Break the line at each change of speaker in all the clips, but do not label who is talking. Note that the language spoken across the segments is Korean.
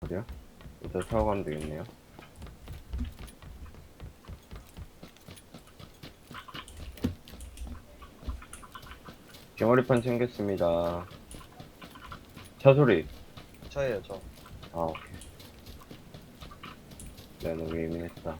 어디야? 이따 타고 가면 되겠네요. 개머리판 챙겼습니다. 차 소리.
저예요, 저.
아, 오케이. 내가 너무 예민했다.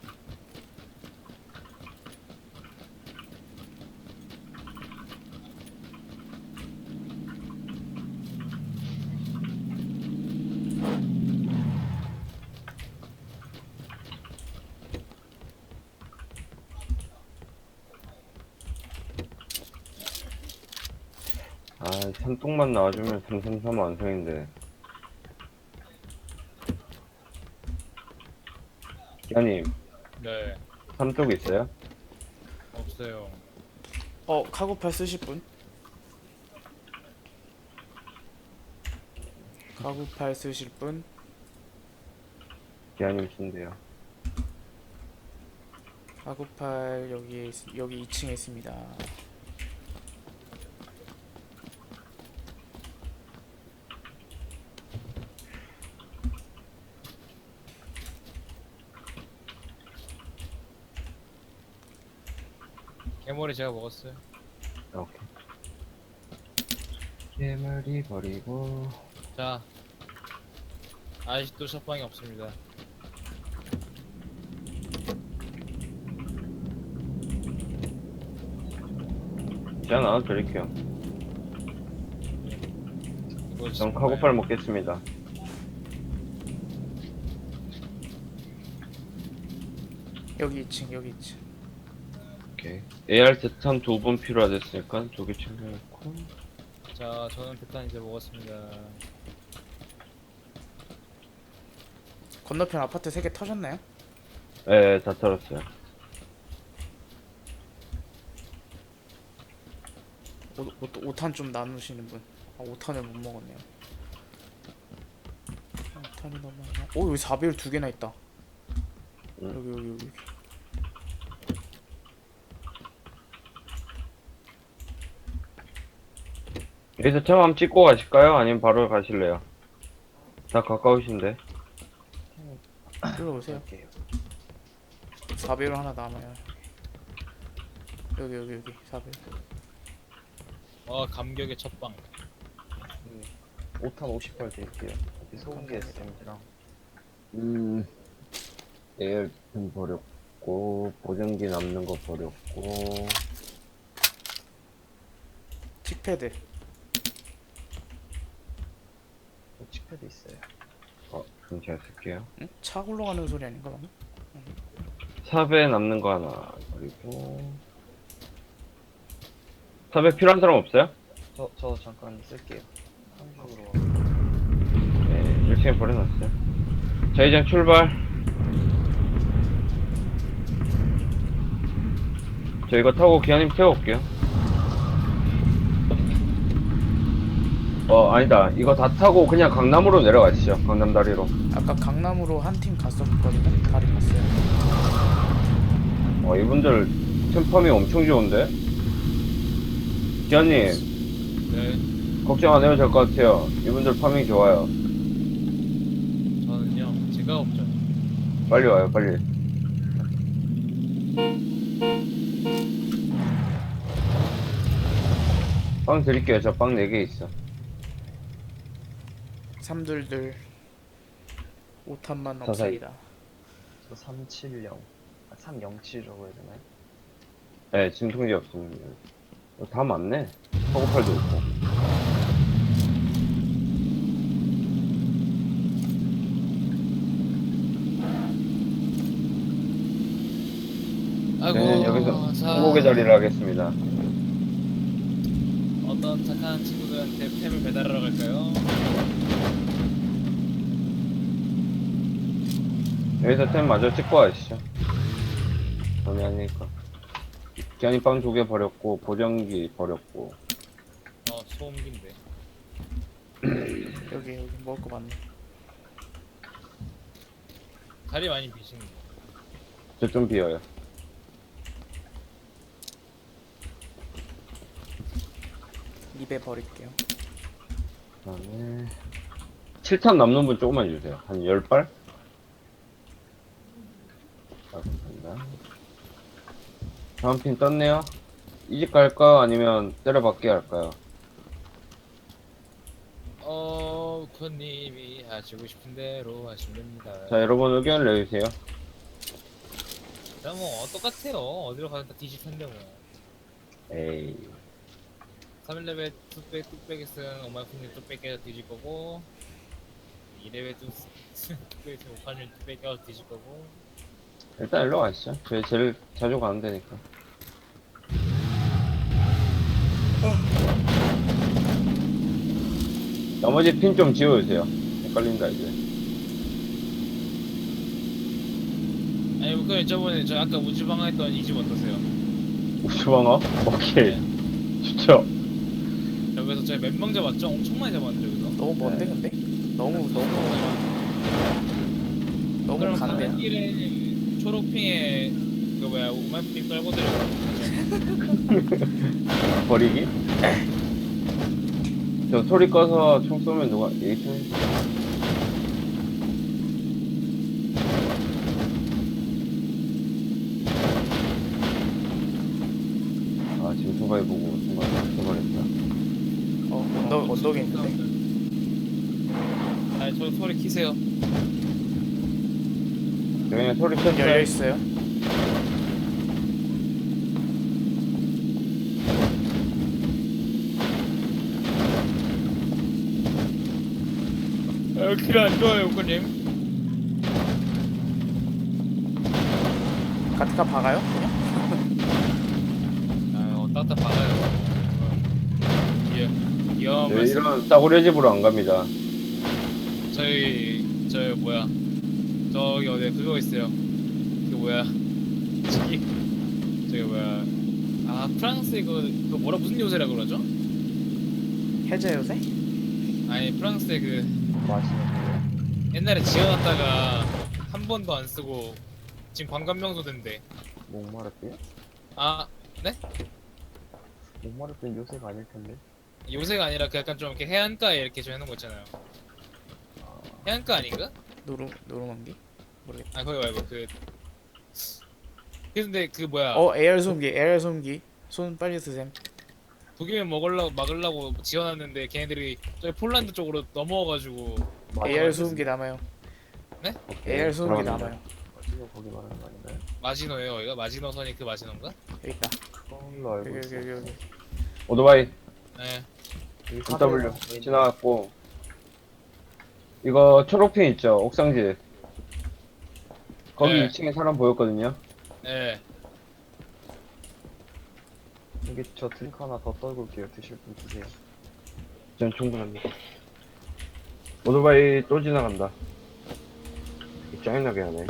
아, 삼뚝만 나와주면 333 완성인데. 기아님,
네,
삼뚝 있어요?
없어요.
카고팔 쓰실 분? 카고팔 쓰실 분?
기아님 쓴대요.
카고팔 여기 2층에 있습니다.
개머리 제가 먹었어요.
오케이. 개머리 버리고.
자, 아직도 샷방이 없습니다.
제가 나눠드릴게요.
이거
전 카고팔 먹겠습니다.
여기 2층.
오케이. AR 대탄 2분 필요하댔으니까 2개 챙겨놓고.
자, 저는 대탄 이제 먹었습니다.
건너편 아파트 3개 터졌나요?
네, 다 털었어요.
5탄 좀 나누시는 분. 5탄을 못 먹었네요. 5탄이 너무 많아. 여기 4배율 2개나 있다. 여기.
여기서 차 한번 찍고 가실까요? 아니면 바로 가실래요? 다 가까우신데.
일로 오세요.
할게요.
4배율 하나 남아요. 여기 4배율.
감격의 첫방.
5탄 50발 드릴게요. 소음기 SMG랑.
에어컨 버렸고, 보정기 남는 거 버렸고.
칙패드.
칙패드 있어요.
그럼 제가 쓸게요.
응? 차 굴러가는 소리 아닌가 방금?
삽에 남는 거 하나 버리고. 삽에 필요한 사람 없어요?
저 잠깐 쓸게요. 한국으로.
네, 1층에 버려놨어요. 자, 이제 출발. 저 이거 타고 기아님 태워올게요. 아니다. 이거 다 타고 그냥 강남으로 내려가시죠. 강남다리로.
아까 강남으로 한 팀 갔었거든요. 다리 갔어요.
이분들 템펌이 엄청 좋은데? 기아님,
네,
걱정 안 해도 될 것 같아요. 이분들 파밍 좋아요.
저는요, 제가 없죠.
빨리 와요, 빨리. 빵 드릴게요. 저 빵 4개 있어.
322 5탄만
서서히.
없습니다.
저 370. 307이라고 해야 되나요?
네, 진통제 없습니다. 다 맞네. 허고팔도 있고.
아이고,
저는 여기서
자,
항복의 자리를 하겠습니다.
어떤 착한 친구들한테 템을 배달하러 갈까요?
여기서 템 마저 찍고 가시죠. 전이 아니니까. 기한이 빵 2개 버렸고, 보정기 버렸고.
소음기인데.
여기 먹을 거 많네.
다리 많이 비시는 거.
저 좀 비어요.
입에 버릴게요.
그 다음에, 7탄 남는 분 조금만 주세요. 한 10발? 아, 감사합니다. 다음 핀 떴네요. 이집 갈까? 아니면 때려박기 할까요?
우커님이 하시고 싶은 대로 하시면 됩니다.
자, 여러분 의견을 내주세요.
자, 뭐 똑같아요. 어디로 가든 다 뒤질 텐데 뭐.
에이.
3레벨 뚝배기스는 오마이쿠님 뚝배기가 뒤질 거고 2레벨 뚝배기스는 오카님 뚝배기가 뒤질 거고.
일단 일로 가시죠. 저희 제일 자주 가는 데니까. 나머지 핀 좀 지워주세요. 헷갈린다, 이제.
아니 우커님 저번에 저 아까 우주방어 했던 이 집 어떠세요?
우주방어? 오케이. 좋죠.
여기서 저희 몇 명 잡았죠? 엄청 많이 잡았는데 여기서.
너무 먼데 근데? 너무
그럼
간대야.
가는 길에 초록핑에 그 뭐야 오마이쿠님 떨고 들어가죠.
버리기? 저 소리 꺼서 총 쏘면 누가, 얘기 좀 해주세요. 아, 지금 소바이 보고 순간 쏘버렸다.
언덕에 있는데.
아니 저 소리 키세요.
그냥 소리 쳤어요.
열려 있어요.
길 안 좋아요 우커님.
가트카 박아요? 그냥?
딱딱 박아요. 예. 위험한
네,
말씀.
이런 싸구려 집으로 안 갑니다.
저희 뭐야 저기 어디 그거 있어요. 그 뭐야 저기 뭐야 프랑스 그 뭐라 무슨 요새라 그러죠?
해제 요새?
아니 프랑스에 그
맛있는 거예요.
옛날에 지어놨다가 한 번도 안 쓰고 지금 관광 명소 된대.
목마르대요?
아
목마르대는 요새가 아닐 텐데.
요새가 아니라 그 약간 좀 이렇게 해안가에 이렇게 좀 해놓은 거 있잖아요. 해안가 아닌가?
노르망디? 모르겠다.
아 거기 말고 그 근데 그 뭐야
에어 소음기. 손 빨리 드셈.
독일면 막으려고 지어놨는데 걔네들이 저기 폴란드 쪽으로 넘어와가지고
AR 소음기 남아요.
네?
AR 소음기
그럼.
남아요.
지금 거기 말하는 거 아닌가요?
마지노예요 여기가 마지노선이 그 마지노인가?
여기 있다.
그걸로 알고
여기
있어요.
여기.
오토바이
네.
여기
W
사대가
지나갔고, 이거 초록핀 있죠? 옥상집. 거기
네.
2층에 사람 보였거든요.
네.
여기 저 드링크 하나 더 떨굴게요. 드실 분 드세요.
전 충분합니다. 오토바이 또 지나간다. 짜증나게 하네.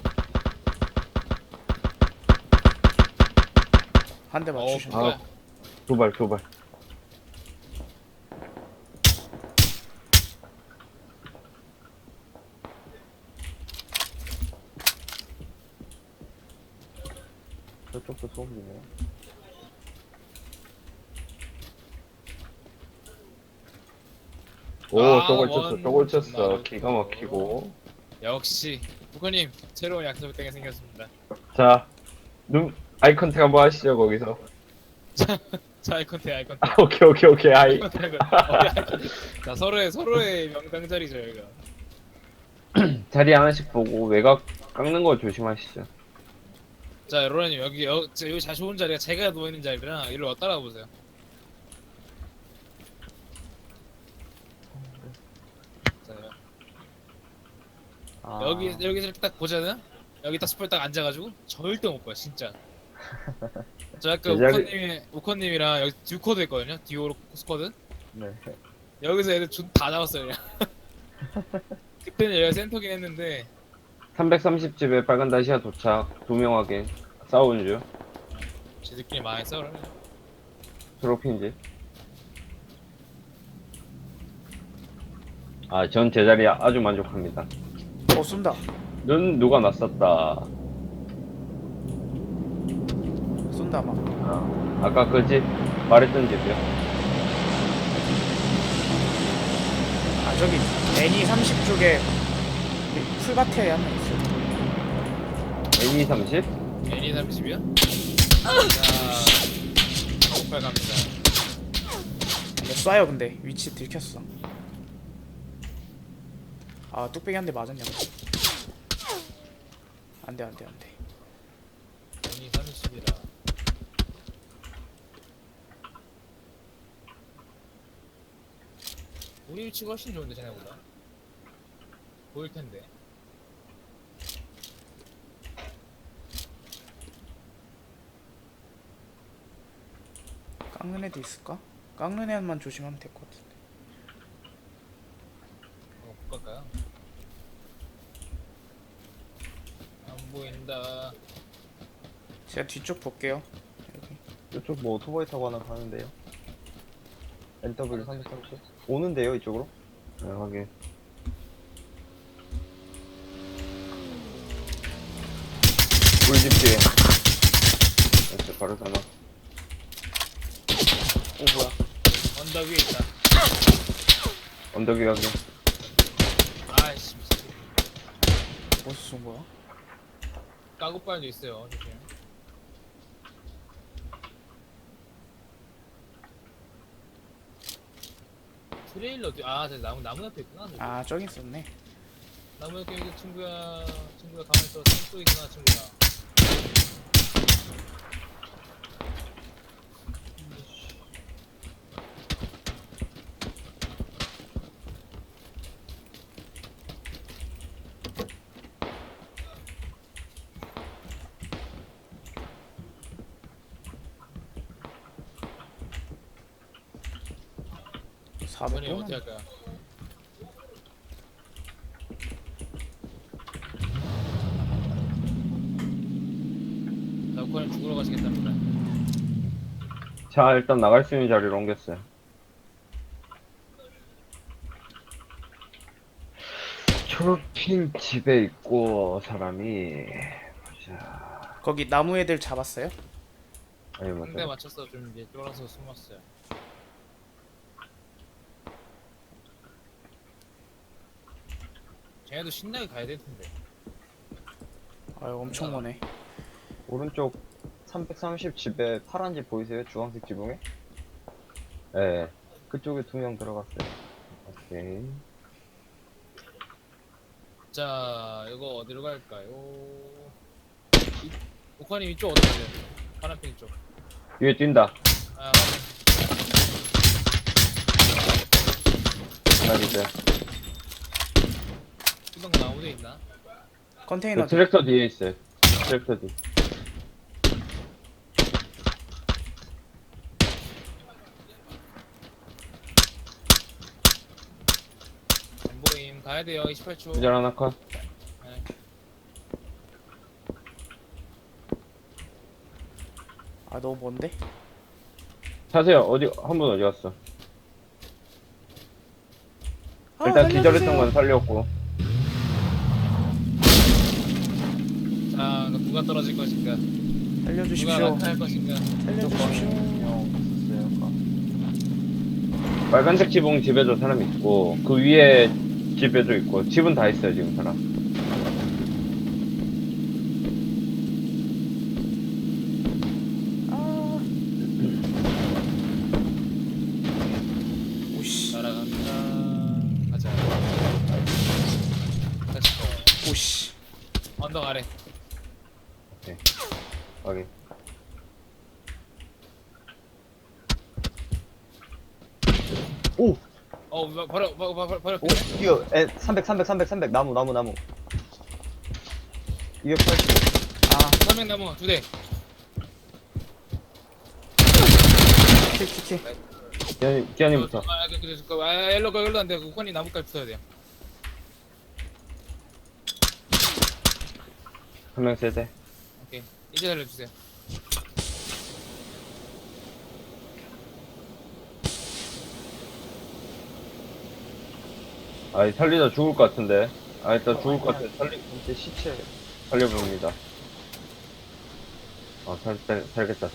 한 대 맞추셨네.
뭐야?
두 발.
저쪽도 소음이네요.
오,
아,
저걸 쳤어.
정말.
기가 막히고.
역시 부커님 새로운 약속 땡이 생겼습니다.
자, 아이 컨택 한번 하시죠, 거기서.
자 아이컨택
아, 오케이, 아이.
자 서로의 명당 자리 저희가.
자리 하나씩 보고 외곽 깎는 거 조심하시죠.
자 로라님 여기 잘 좋은 자리가 제가 누워있는 자리라 이리로 따라와 보세요. 자
아,
여기서 이렇게 딱 보잖아요. 여기 딱 스포에 딱 앉아가지고 절대 못 봐요 진짜. 저 아까 우커님이랑 여기 듀코드 있거든요. 듀오 스쿼드.
네.
여기서 애들 다 잡았어요 그냥. 그때는 얘가 센터긴 했는데
330집에 빨간 다시아 도착. 2명 확인. 싸우는 중.
지들끼리 망했어 그러면.
초록핀집. 아, 전 제자리 아주 만족합니다.
쏜다.
눈 누가 났었다.
쏜다 막.
아까 그 집 말했던 집이요.
저기 애니 30 쪽에 풀밭에 하나 있어요.
A30?
애니 30이요? 자, 폭발 갑니다.
쏴요 근데 위치 들켰어. 아 뚝배기 한 대 맞았냐고. 안돼 안돼 안돼.
애니 30이라. 우리 위치가 훨씬 좋은데 쟤네보다. 보일 텐데.
깎는 애도 있을까? 깎는 애만 조심하면 될 것 같은데.
못 갈까요? 안 보인다.
제가 뒤쪽 볼게요. 여기.
이쪽 뭐 오토바이 타고 하나 가는데요. NW 330 오는데요 이쪽으로?
네, 확인. 꿀집 뒤에. 됐어, 바로 사나.
오 뭐야?
언덕 위에 있다.
언덕 위 확인.
아이씨, 미친.
어디서 쏜 거야?
까고빨도 있어요. 조심. 트레일러 저 나무 옆에 있구나. 저기.
아 저기 있었네.
나무 옆에 있는 친구야 가만히 있어. 산속이구나 친구야. 이번에
400원?
어떻게 할까요? 나우카는 죽으러 가시겠답니다.
자, 일단 나갈 수 있는 자리로 옮겼어요. 초록핀 집에 있고, 사람이. 자,
거기 나무 애들 잡았어요?
아니,
상대
맞아.
맞춰서 좀 이제 쫄아서 숨었어요. 쟤네도 신나게 가야 될 텐데.
아유 엄청 머네.
오른쪽 330 집에 파란 집 보이세요? 주황색 지붕에?
예.
그쪽에 2명 들어갔어요.
오케이.
자, 이거 어디로 갈까요? 오카님 이쪽 어디 가세요? 파란핑 쪽.
위에 뛴다.
아,
하나 이제.
이동 나무도 있나?
컨테이너
그 트랙터 뒤에 있어요. 트랙터 뒤.
안 보임. 가야 돼요. 28초.
기절 하나 컷.
네.
아 너무 먼데?
차세요. 한 분 어디 갔어?
아,
일단
알려주세요.
기절했던 건 살렸고.
자, 그럼 누가 떨어질 것인가? 누가
살려주십시오.
낙하할 것인가?
살려주십시오.
빨간색 지붕 집에도 사람 있고, 그 위에 집에도 있고, 집은 다 있어요, 지금 사람.
아. 오씨.
날아간다. 가자. 됐어.
오씨.
언덕 아래.
확인.
오!
바로.
오! 이거 300 나무 280
아
삼명나무 2대.
킬킬킬.
기아님부터.
일로 안 돼. 우건이 나무까지 붙어야 돼요.
한 명 세대.
오케이. 이제 살려주세요.
아, 살리다 죽을 것 같은데. 아, 일단 죽을 것 같아.
이제 시체
살려봅니다. 살겠다.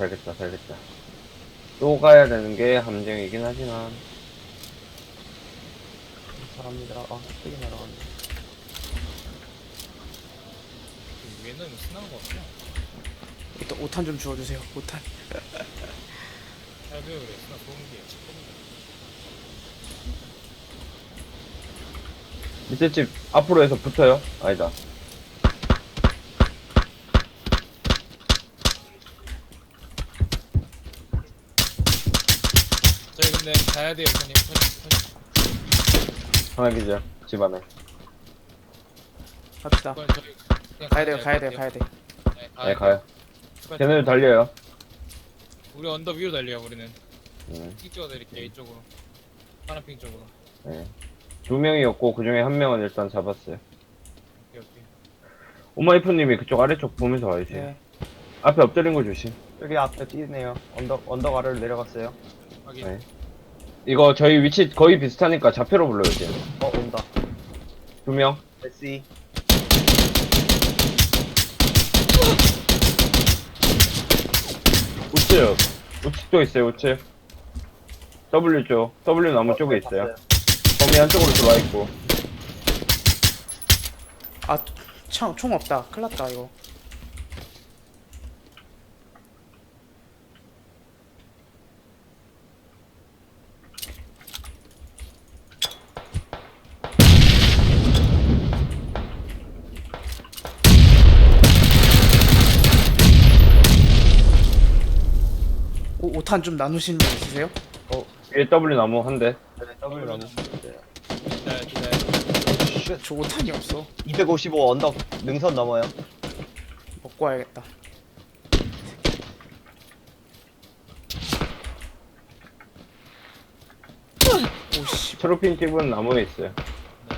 또 가야 되는 게 함정이긴 하지만.
감사합니다. 아, 세게 날아갔네.
위에는 뭐 스나는 거 없냐?
일단 5탄 좀 주워주세요. 5탄.
잘 배워 그래. 스나 좋은 게
밑에 집 앞으로 해서 붙어요? 아니다.
저희 근데 가야 돼요, 손님.
하나 기절. 집 안에.
갑시다.
그건 저희 그냥
가야 돼요. 가야 돼요. 가야 돼.
네, 가요.
출발.
걔네들 달려요.
우리 언덕 위로 달려요, 우리는.
네.
픽 찍어드릴게요, 이쪽으로. 파란핑 쪽으로.
네. 2명이었고, 그 중에 1명은 일단 잡았어요.
오케이, 오케이.
오마이프님이 그쪽 아래쪽 보면서 와주세요.
네.
앞에 엎드린 거 조심.
여기 앞에 뛰네요. 언덕 아래로 내려갔어요.
확인.
네. 이거 저희 위치 거의 비슷하니까 좌표로 불러요, 이제.
온다.
2명.
SE.
우측. 우측도 있어요, 우측. W 쪽. W 나무 쪽에 있어요.
봤어요.
범위 한쪽으로 들어와 있고.
아, 총 없다. 큰일 났다, 이거. 오, 5탄 좀 나누시는 분 있으세요?
위에 W 나무 한 대.
네, W 나무. 네.
기다려.
쉣.
저 5탄이 없어.
255 언덕 능선 넘어요.
먹고 와야겠다. 오씨.
초록핀 집은 나무에 있어요.
네.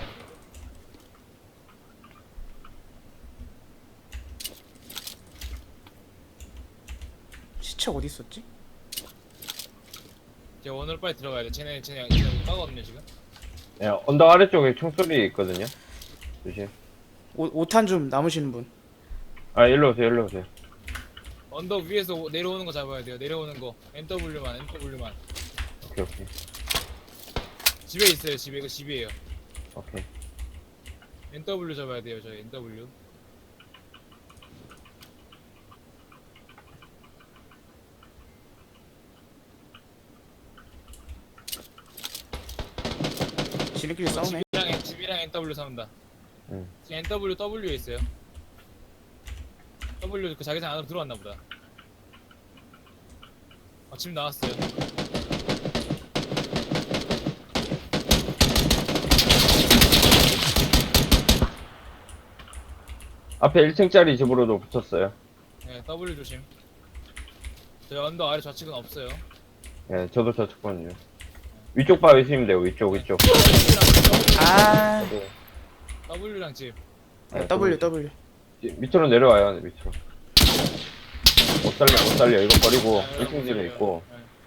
시체 어디 있었지?
이제 원으로 빨리 들어가야 돼. 쟤네 까거든요, 지금.
예, 언덕 아래쪽에 총소리 있거든요. 조심.
5탄 좀 남으시는 분.
아, 일로 오세요, 일로 오세요.
언덕 위에서 내려오는 거 잡아야 돼요. 내려오는 거. NW만.
오케이, 오케이.
집에 있어요, 집에. 이거 집이에요.
오케이.
NW 잡아야 돼요, 저희 NW.
지네끼리 싸우네.
집이랑 NW 싸운다.
응.
지금 NW W에 있어요. W 그 자기장 안으로 들어왔나 보다. 집 나왔어요.
앞에 1층짜리 집으로도 붙었어요.
네, W 조심. 저희 언덕 아래 좌측은 없어요.
예, 저도 저측거든요. 위쪽 봐주시면 돼요, 위쪽.
아,
네.
W랑 집.
W.
밑으로 내려와요, 밑으로. 못 살려. 이거 버리고 1층 집에 있고.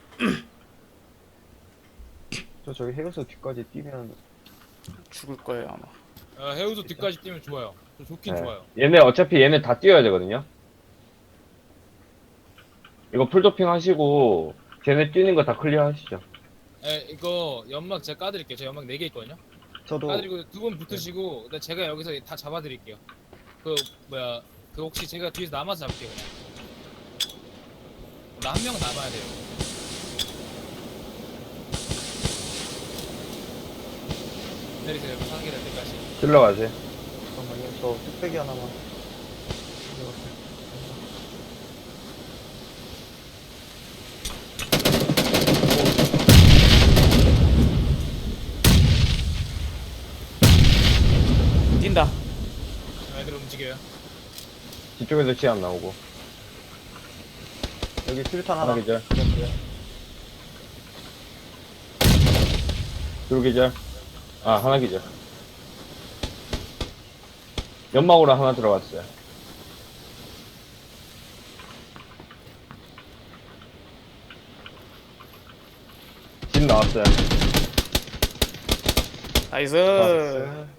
저 저기 해우소 뒤까지 뛰면
죽을 거예요 아마.
해우소 뒤까지 뛰면 좋아요. 좋긴
네.
좋아요.
어차피 얘네 다 뛰어야 되거든요. 이거 풀도핑 하시고 걔네 뛰는 거 다 클리어 하시죠.
이거 연막 제가 까드릴게요. 저 연막 4개 있거든요.
저도
까드리고 두 분 붙으시고 근데 제가 여기서 다 잡아드릴게요. 그 혹시 제가 뒤에서 남아서 잡을게요 그냥. 나 한 명은 남아야 돼요. 기다리세요. 상계 될 때까지.
찔러 가세요.
잠깐만요. 저 뚝배기 하나만.
뛴다.
애들 움직여요.
뒤쪽에서 치 안 나오고.
여기 수류탄 하나.
하나 기절. 둘 기절. 아, 하나 기절. 연막으로 하나 들어갔어요. 집 나왔어요.
나이스.
나이스.